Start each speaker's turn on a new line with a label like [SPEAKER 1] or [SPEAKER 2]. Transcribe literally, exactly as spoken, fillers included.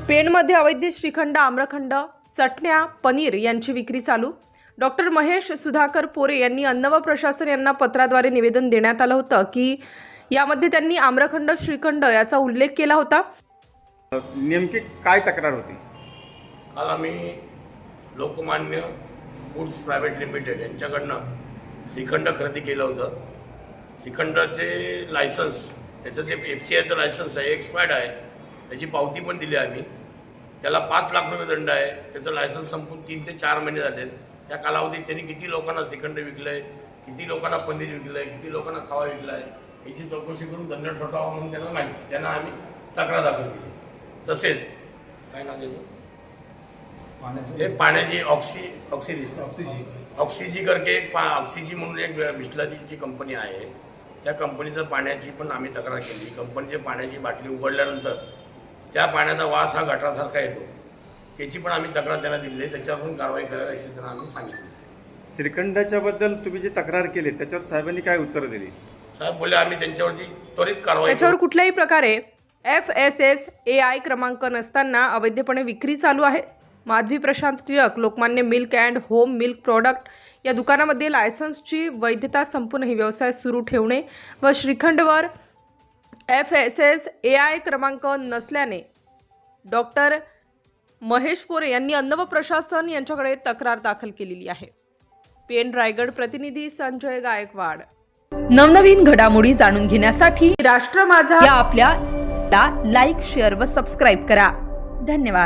[SPEAKER 1] पेणमध्ये अवैध श्रीखंड, आम्रखंड, चटण्या, पनीर यांची विक्री चालू। डॉक्टर महेश सुधाकर पोरे यांनी अन्न व प्रशासन यांना पत्राद्वारे निवेदन देण्यात आलं होतं की यामध्ये त्यांनी आम्रखंड, श्रीखंड याचा उल्लेख केला होता।
[SPEAKER 2] नेमकी काय तक्रार होती?
[SPEAKER 3] काल आम्ही लोकमान्य फूड्स प्रायव्हेट लिमिटेड यांच्याकडनं श्रीखंड खरेदी केलं होतं। श्रीखंडाचे लायसन्स, त्याचं जे एफ सी आयचं लायसन्स आहे एक्सपायर्ड आहे, त्याची पावती पण दिली आम्ही। त्याला पाच लाख रुपये दंड आहे। त्याचं लायसन्स संपून तीन ते चार महिने झाले। त्या कालावधीत त्यांनी किती लोकांना श्रीखंड विकलं आहे, किती लोकांना पनीर विकलं आहे, किती लोकांना खवा विकला आहे याची चौकशी करून दंड ठोठावा म्हणून त्यांना माहिती त्यांना आम्ही तक्रार दाखल केली। तसेच काय नाव देतो हे पाण्याची ऑक्सी ऑक्सिजी ऑक्सिजी ऑक्सिजी करके एक पा ऑक्सिजी म्हणून एक बिस्लरीची कंपनी आहे। त्या कंपनीचं पाण्याची पण आम्ही तक्रार केली। कंपनीच्या पाण्याची बाटली उघडल्यानंतर त्या पाण्याचा वास हा गटारासारखा येतो, त्याची पण आम्ही तक्रार त्यांना दिली आहे। त्याच्यावर पण कारवाई करावी अशी त्यांना आम्ही सांगितलं।
[SPEAKER 2] श्रीखंडाच्या बद्दल तुम्ही जी तक्रार केली त्याच्यावर साहेबांनी काय उत्तर दिली?
[SPEAKER 3] साहेब बोलले आम्ही त्यांच्यावरती त्वरित कारवाई
[SPEAKER 1] त्याच्यावर कुठल्याही प्रकारे F S S A I क्रमांक नसताना अवैधपणे विक्री चालू आहे। Madhavi Prashant Tilak Lokmanya milk and home milk product या दुकानामध्ये लायसन्सची वैधता संपूनही व्यवसाय सुरू ठेवणे व श्रीखंडवर F S S A I क्रमांक नसल्याने डॉक्टर महेश पोरे यांनी अन्न व प्रशासन यांच्याकडे तक्रार दाखल केलेली आहे। पेण रायगड प्रतिनिधी संजय गायकवाड। नवनवीन घडामोडी जाणून घेण्यासाठी राष्ट्र माझा या आपल्या लाईक, शेअर व सबस्क्राईब करा। धन्यवाद।